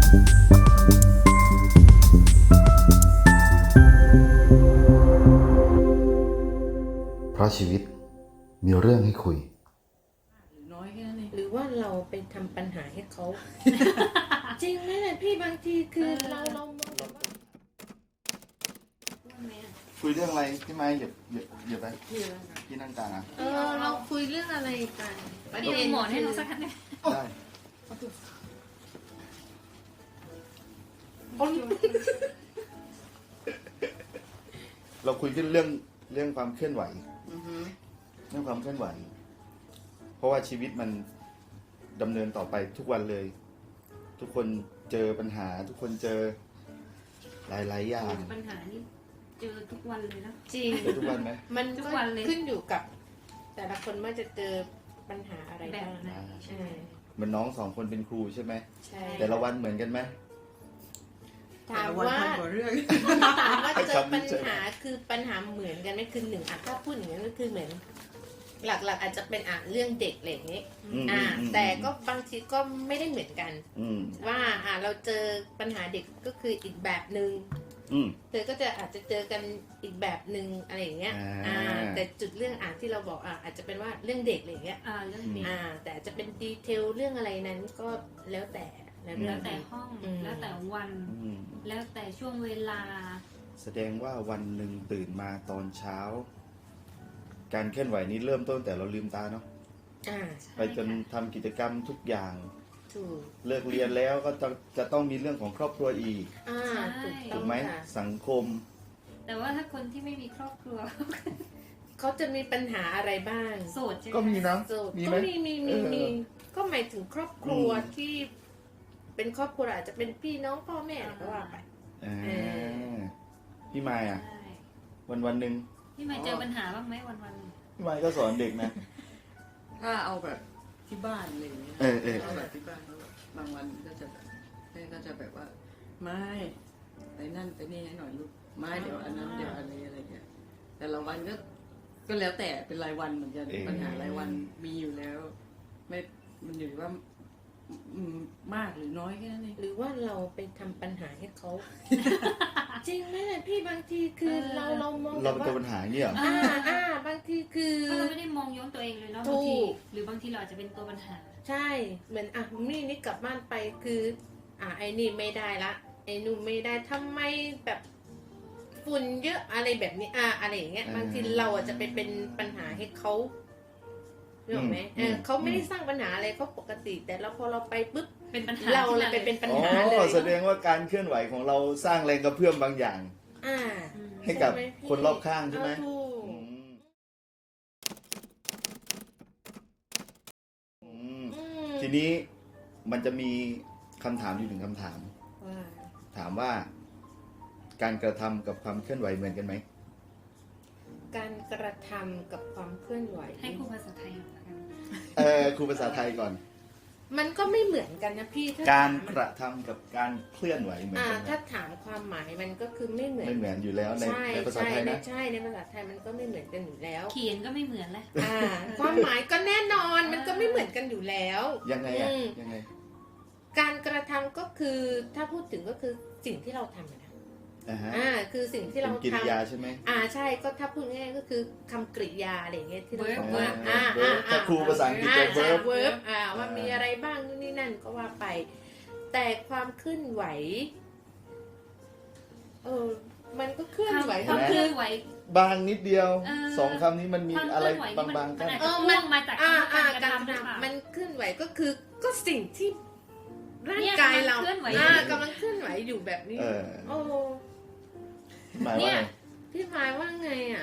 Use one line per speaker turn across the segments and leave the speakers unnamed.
เพราะชีวิตมีเรื่องให้คุย
น้อยแค่นั้นเอง
หรือว่าเราไปทำปัญหาให้เขา จริงไหมเนี่ยพี่บางทีคือเรามองแบบว่า
คุยเรื่องอะไรที่ไม้เหยียบไปที่นั่งกลางอ่ะ
เราคุยเรื่องอะไรกัน
ประเด็นหมอนให้เราสักคันเนี่ย
ได้เราคุยกันเรื่องความเคลื่อนไหวเรื่องความเคลื่อนไหวเพราะว่าชีวิตมันดำเนินต่อไปทุกวันเลย ทุกคนเจอปัญหาทุกคนเจอหลายอย่าง
ปัญหานี่เจอทุกวันเลยนะ
จริง
เจอทุกวันไหม
มัน
ทุก
ก็
วันเลย
ขึ้นอยู่กับ แต่ละคนว่าจะเจอปัญหาอะไร
แบบ
บ้าง
ไหน
ใช่
เหมือนน้องสองคนเป็นครูใช่ไหม
ใช่
แต่ละวันเหมือนกันไหม
ถามว่า
พันกว่าเรื่อง
ถามว่าเจอ
คำนี้
ปัญ
ใช่ไหม
หาคือปัญหาเหมือนกันไหมคือหนึ่งถ้าพูดอย่างนั้นก็คือเหมือน หลักๆอาจจะเป็นเรื่องเด็กอะไรอย่างนี้ แต่ก็บางทีก็ไม่ได้เหมือนกัน ว่าเราเจอปัญหาเด็กก็คืออีกแบบหนึ่งเธอก็จะอาจจะเจอกันอีกแบบหนึ่งอะไรอย่างเงี้ยแต่จุดเรื่องที่เราบอกอาจจะเป็นว่าเรื่องเด็กอะไรอย่างเงี้ย
เรื่องเด็ก
แต่จะเป็นดีเทลเรื่องอะไรนั้นก็แล้วแต่และเรื่
แล้
อ
ว
ง
แต่ห้อง แล้วแต่วัน แล้วแต่ช่วงเวลา
แสดงว่าวันหนึ่งตื่นมาตอนเช้า การเคลื่อนไหวนี้เริ่มต้นแต่เราลืมตาเนาะไปจนทำกิจกรรมทุกอย่าง
ถูก
เลิกเรียนแล้วก็จะต้องมีเรื่องของครอบครัวอีก
ถูกต้
ถู
อง
กไหม
ค่ะ
สังคม
แต่ว่าถ้าคนที่ไม่มีครอบครัว
เขาจะมีปัญหาอะไรบ้าง
โสดใช่ไหม
ก็มีนะ
โสด
มี
ก็
ไหม
มีก็หมายถึงครอบครัว
อืม
ที่ เป็นครอบครัวอาจจะเป็นพี่น้องพ่อแม่อะไรก็ว่าไป
พี่มายอ่ะ
ใช่
วันหนึ่ง
พี่ไม่เจอปัญหาบ้างไหมวัน
พี่มายก็สอนเด็กนะ
ถ้าเอาแบบที่บ้านอะไรอย่างเงี้ย
เออ
เอาแบบที่บ้านบางวันก็จะแบบแม่ก็จะแบบว่าไม่ไปนั่นไปนี่ให้หน่อยลูกไม่เดี๋ยวอันนั้นเดี๋ยวอันนี้อะไรเงี้ยแต่ละวันก็แล้วแต่เป็นรายวันเหมือนกันปัญหารายวันมีอยู่แล้ว ไม่มันอยู่ที่ว่าอืมมากหรือน้อยแค่นั้นเอง
หรือว่าเราไปทำปัญหาให้เขา จริงไหมเนี่ยพี่บางทีคือเรามอง
เรา
แบบ
เป็นตัว
ว่า
ปัญหาเงี้ยเหรอ
บางทีคือ
เพราะเราไม่ได้มองย้อนตัวเองเลยเนาะ
ถู
บาง
ก
ทีหรือบางทีเราอาจจะเป็นตัวปัญหา
ใช่เหมือนนี่กลับบ้านไปคือไอ้นี่ไม่ได้ละไอ้นู่นไม่ได้ทำไมแบบฝุ่นเยอะอะไรแบบนี้อะไรอย่างเงี้ยบางทีเราอาจจะไปเป็นปัญหาให้เขาเรื่องไหมเขาไม่ได้สร้างปัญหาอะไรเขาปกติ แต่เราพอเราไปปุ๊บ
เป็นปัญหา
เราเลย
ขึ้
ไปเป็นปัญ
อ๋อ
หาเลย
แสดงว่าการเคลื่อนไหวของเราสร้างแรงกระเพื่อมบางอย่าง
อ่า
ให้กับ
ใช่ไหมพี่
คนรอบข้างใช่ไหม
ถูก
อืมอืม
อืม
ทีนี้มันจะมีคำถามอยู่หนึ่งคำถาม
ว่า
ถามว่าการกระทำกับความเคลื่อนไหวเหมือนกันไหม
การกระทำกับความเคลื่อนไหว
ให้ครูภาษาไทยก่อนละกัน
ครูภาษาไทยก่อน
มันก็ไม่เหมือนกันนะพี่ถ้
การ
ถม
กระทำกับการเคลื่อนไหวเหมือนกันไหม
ถ้าถามความหมายมันก็คือไม่เหมือน
ไม่เหมือนอยู่แล้วใน
ใช่
ในภาษาไทยนะ
ใช่ในภาษาไทยมันก็ไม่เหมือนกันอยู่แล้ว
เขียนก็ไม่เหมือนเลย
ความหมายก็แน่นอนมันก็ไม่เหมือนกันอยู่แล้ว
ยังไงอ่ะ
อืม
ยังไง
การกระทำก็คือถ้าพูดถึงก็คือสิ่งที่เราทำนะ คือสิ่งที่เรา
เป็นกิริยา
ทำ
ใช่ไหม
ใช่ก็ถ้าพูดง่ายๆก็คือคำกริยาอะไรอย่างเงี้ยที่เรา
Verb
บอกว่า
verb ถ้าครูภาษาอังกฤษจะ verb
เวิร์บว่ามีอะไรบ้างนู่นนี่นั่นก็ว่าไป แต่ความเคลื่อนไหวมันก็เคลื่อนไหว
ความเคลื่อนไหว
บางนิดเดียว
เออ
สองคำนี้มันมี
ความเค
อะไร
ลื่อนไหวนี่
บางๆ
มั
กัน น
อาจจะพ่วงมาจากการกระทำหรือเปล่า
มันเคลื่อนไหวก็คือก็สิ่งที่ร่างกายเรา
เนี่ยกำลังเคลื่อนไหวอยู่
กำลังเคลื่อนไหวอยู่แบบนี้ โอ้
หมายว่าไง
พี่หมายว่าไงอ่ะ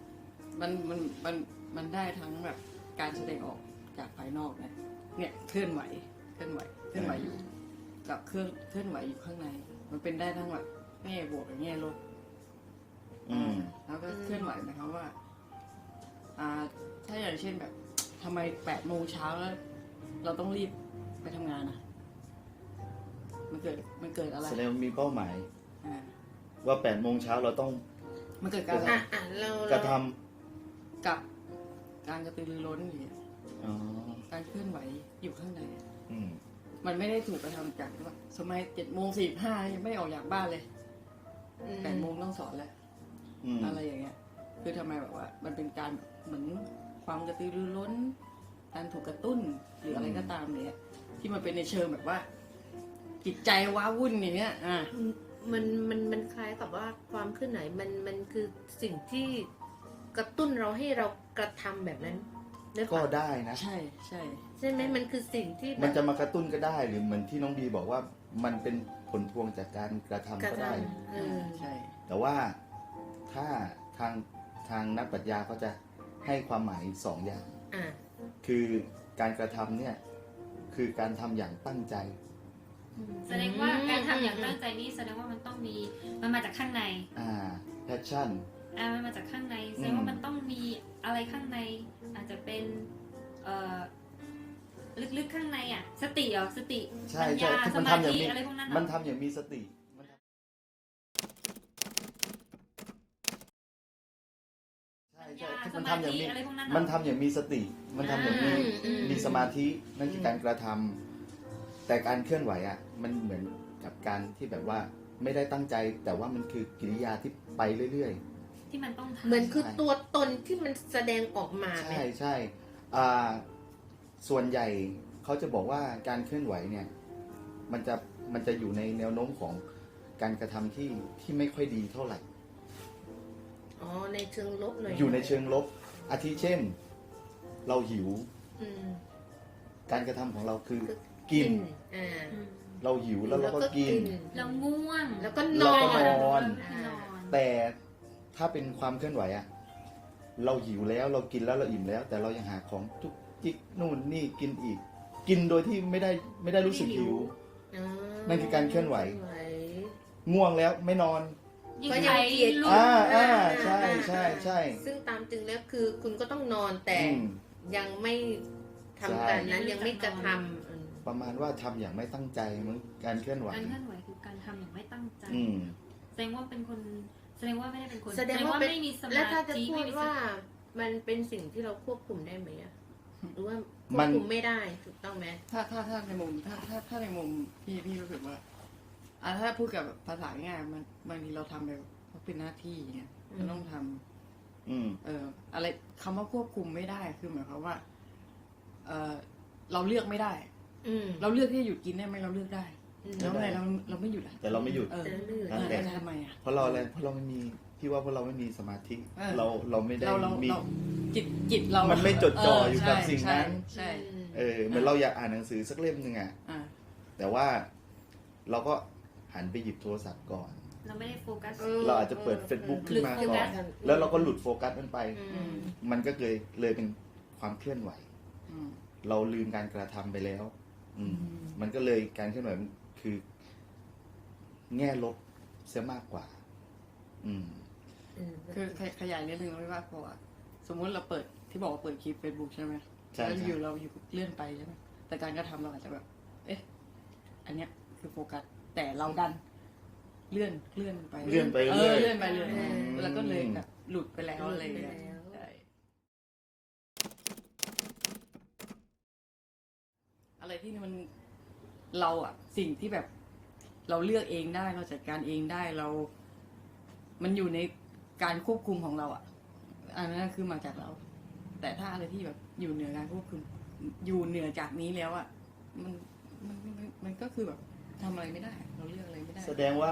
มันได้ทั้งแบบการแสดงออกจากภายนอกนะเนี่ยเคลื่อนไหวอยู่ กับเคลื่อนไหวอยู่ข้างใน มันเป็นได้ทั้งแบบแง่บวกกับแง่ลบ แล้วก็เคลื่อนไหวหมายความว่าถ้าอย่างเช่นแบบทำไม8 โมงเช้าแล้ว เราต้องรีบไปทำงานอ่ะ มันเกิดอะไร
แสดงว่ามีเป้าหมาย
อ่า
ว่า8 โมงเช้าเราต้อง
มันเกิดการ
เรา
กระท
กับการกระตือรือร้นอย่างเงี้ย
ำอ๋อ
การเคลื่อนไหวอยู่ข้างใน
อืม
มมันไม่ได้ถูกกระทำจากว่าสมัย7:45ยังไม่ได้ออกจากบ้านเลย8 โมงต้องสอนแล้ว อะไรอย่างเงี้ย คือทำไมแบบว่า มันเป็นการเหมือนความกระตือรือร้น การถูกกระตุ้นหรืออะไรก็ตามเนี่ยที่มันเป็นในเชิงแบบว่า จิตใจว้าวุ่นอย่างเงี้ย
มันคล้ายกับว่าความเคลื่อนไหวมันคือสิ่งที่กระตุ้นเราให้เรากระทำแบบนั้น
ก็ได้นะ
ใช่ใช่
ใช่ไหมมันคือสิ่งที่
มันจะมากระตุ้นก็ได้ หรือเหมือนที่น้องบีบอกว่ามันเป็นผลพวงจากการกระทำก็ได้
ใช่
แต่ว่าถ้าทางนักปรัชญาเขาจะให้ความหมายสองอย่างคือการกระทำเนี่ยคือการทำอย่างตั้งใจ
แสดงว่าการทำอย่างตั้งใจนี่แสดงว่ามันต้องมีมันมาจากข้างใน
passion
มันมาจากข้างในแสดงว่ามันต้องมีอะไรข้างในอาจจะเป็นลึกๆข้างในสติสติปัญญาสมาธิอะไรพวกนั้น
มันทำอย่างมีสติมันทำอย่างมีสติมันทำอย่างมีสมาธินั่นคือการกระทำแต่การเคลื่อนไหวมันเหมือนกับการที่แบบว่าไม่ได้ตั้งใจแต่ว่ามันคือกิริยาที่ไปเรื่อย
ๆที่มันต้องทำ
เหมือนคือตัวตนที่มันแสดงออกมา
ใช่ส่วนใหญ่เขาจะบอกว่าการเคลื่อนไหวเนี่ยมันจะอยู่ในแนวโน้มของการกระทำที่ไม่ค่อยดีเท่าไหร่
ในเชิงลบหน่อย
อยู่ในเชิงลบอาทิเช่นเราหิวการกระทำของเราคือกินเราหิวแล้วเราก็กิน
เราง่วง
แล้วก็นอน
แต่ถ้าเป็นความเคลื่อนไหวเราหิวแล้วเรากินแล้วเราอิ่มแล้วแต่เรายังหาของจุกจิกนู่นนี่กินอีกกินโดยที่ไม่ได้รู้สึกหิวนั่นคือการเคลื่อนไหวง่วงแล้วไม่นอน
ก็ยังเกียด
ใช่ใช่ใช่
ซึ่งตามจริงแล้วคือคุณก็ต้องนอนแต่ยังไม่ทำการนั้นยังไม่กระทำ
ประมาณว่าทำอย่างไม่ตั้งใจมั้งการเคลื่อนไหว
คือการทำอย่างไม่ตั้งใจแสดงว่าเป็นคนแสดงว่าไม่ได้เป็นคน
แสดงว่าไม่มีสมาธิแล้วถ้าจะพูดว่ามันเป็นสิ่งที่เราควบคุมได้ไหมหรือว่าควบคุมไม่ได้ถูกต้องไหม
ถ้าในมุมถ้าในมุมพี่รู้สึกว่าถ้าพูดกับภาษาง่ายมันบางทีเราทำแบบเป็นหน้าที่เนี่ยเราต้องทำอะไรคำว่าควบคุมไม่ได้คือหมายความว่าเราเลือกไม่ได้เราเลือกที่จะหยุดกินได้ไหมเราเลือกได้แล้วไงเราไม่หยุด
แต่เราไม่หยุด
แต่ทำไม
เพราะเราอะไรเพราะเราไม่มีพี่ว่าเพราะเราไม่มีสมาธิเราไม่ได้มี
จิตเรา
มันไม่จดจ่ออยู่กับสิ่งนั้น
ใช่
เหมือนเราอยากอ่านหนังสือสักเล่มนึงแต่ว่าเราก็หันไปหยิบโทรศัพท์ก่อน
เราไม่ได้โฟกัส
เราอาจจะเปิด Facebook ขึ้นมาก่อนแล้วเราก็หลุดโฟกัสมันไปมันก็เลยเป็นความเคลื่อนไหวเราลืมการกระทำไปแล้วมันก็เลยการเคลื่อนไหวคือแง่ลบเสียมากกว่า
คือขยายนิดนึงไม่ว่าพอสมมุติเราเปิดที่บอกว่าเปิดคลิป Facebook ใช่ไหมแล้วอยู่เราอยู่เลื่อนไปใช่ไหมแต่การกระทำเราอาจจะแบบอันเนี้ยคือโฟกัสแต่เราดันเลื่อนไป
เลื่อนไปเรื่อย
แล้วก็เลยแบบหลุดไปแล้วอะไรอย่างเงี้ยอะไรที่มันเราสิ่งที่แบบเราเลือกเองได้เราจัดการเองได้มันอยู่ในการควบคุมของเราอันนั้นคือมาจากเราแต่ถ้าอะไรที่แบบอยู่เหนือการควบคุมอยู่เหนือจากนี้แล้วมันก็คือแบบทำอะไรไม่ได้เราเลือกอะไรไม่ได้
แสดงว่า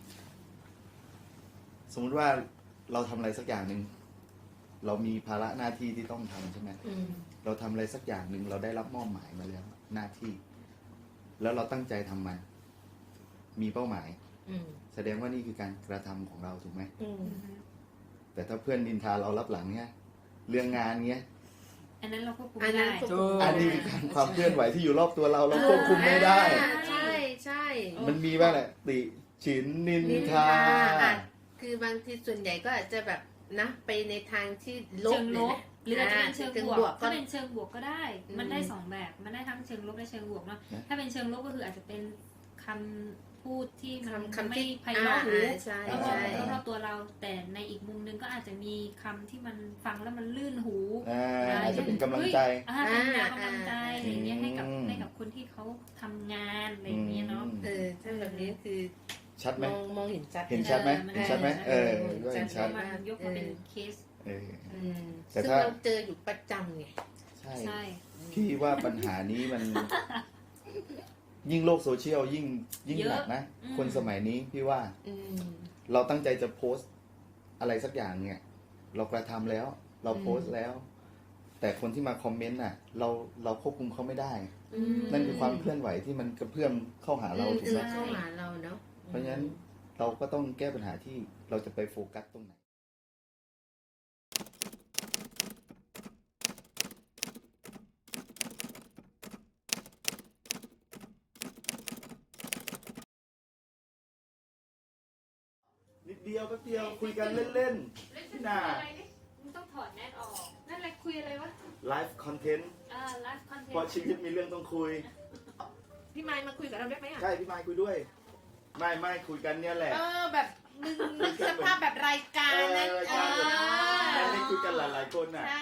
สมมติว่าเราทำอะไรสักอย่างหนึ่งเรามีภาระหน้าที่ที่ต้องทำใช่ไหมเราทำอะไรสักอย่างหนึ่งเราได้รับมอบหมายมาแล้วหน้าที่แล้วเราตั้งใจทำมันมีเป้าหมายแสดงว่านี่คือการกระทำของเราถูกไหมแต่ถ้าเพื่อนนินทาเรารับหลังเนี้ยเรื่องงานเงี้ย
อันนั้นเราควบคุมไม่ได้
อันนี้คือความเคลื่อนไหวที่อยู่รอบตัวเราควบคุมไม่ได้
ใช่
มันมีบ้างแหละติฉินนินทา
คือบางทีส่วนใหญ่ก็อาจจะแบบนะไปในทางที่ลบ
หรืออาจจะเป็นเชิงบวกถ้าเป็นเชิงบวกก็ได้มันได้2แบบมันได้ทั้งเชิงลบและเชิงบวกเนาะถ้าเป็นเชิงลบก็คืออาจจะเป็นคพูดที่มัน
คำ
ไม่
ที่
ไพเราะหู
ใช่
แล้ว
ใช่
รอบๆตัวเรา แต่ในอีกมุมนึงก็อาจจะมีคำที่มันฟังแล้วมันลื่นหู
อาจจะเป็นกำลังใจ
เป็นแนวกำลังใจอะไรเงี้ยให้กับ
อืม
ให้กับคนที่เขาทำงานอะไรเงี้ยเนาะ
ถ้าแบบนี้คือ
ชัดไหม
มองเห็นชัด
เห็นชัดไหม
มัน
เห็นชัดไหม
เออ
ก็เห็นชัด
มันยกมาเป็นเคส
เออ แต่
ซึ่ง
ถ้า
เราเจออยู่ประจำไง
ใช่
ใช่
พี่ว่าปัญหานี้มัน ยิ่งโลกโซเชียลยิ่งหนักนะ คนสมัยนี้พี่ว่า
อืม
เราตั้งใจจะโพสต์อะไรสักอย่างเนี่ย เรากระทำแล้ว เราโพสต์แล้ว แต่คนที่มาคอมเมนต์น่ะ เราควบคุมเขาไม่ได้ นั่นคือความเคลื่อนไหวที่มันกระเพื่อมเข้าหาเราถูกไหม
เข้าหาเราเนาะ
เพราะฉะนั้นเราก็ต้องแก้ปัญหาที่เราจะไปโฟกัสตรงไหน นิดเดียวแป๊บเดียวคุยกันเล่นๆพี่นา
มึงต้องถอดแมสออก นั่นแหละคุยอะไรวะ
ไลฟ์คอนเทนต์
ไลฟ์คอนเทน
เพราะ
ต์
ชีวิตมีเรื่องต้องคุย
พี่ไมค์มาคุยกับเราได้ไหมอ่ะ
ใช่พี่ไมค์คุยด้วย ไม่คุยกันเนี่ยแหละ
แบบมึงนึกสภาพแบบรายการนั้น
รายการแบบไม่คุยกันหลายๆคนน่ะ
ใช่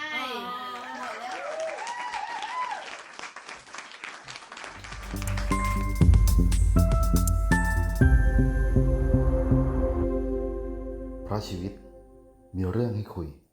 เพราะชีวิตมีเรื่องให้คุย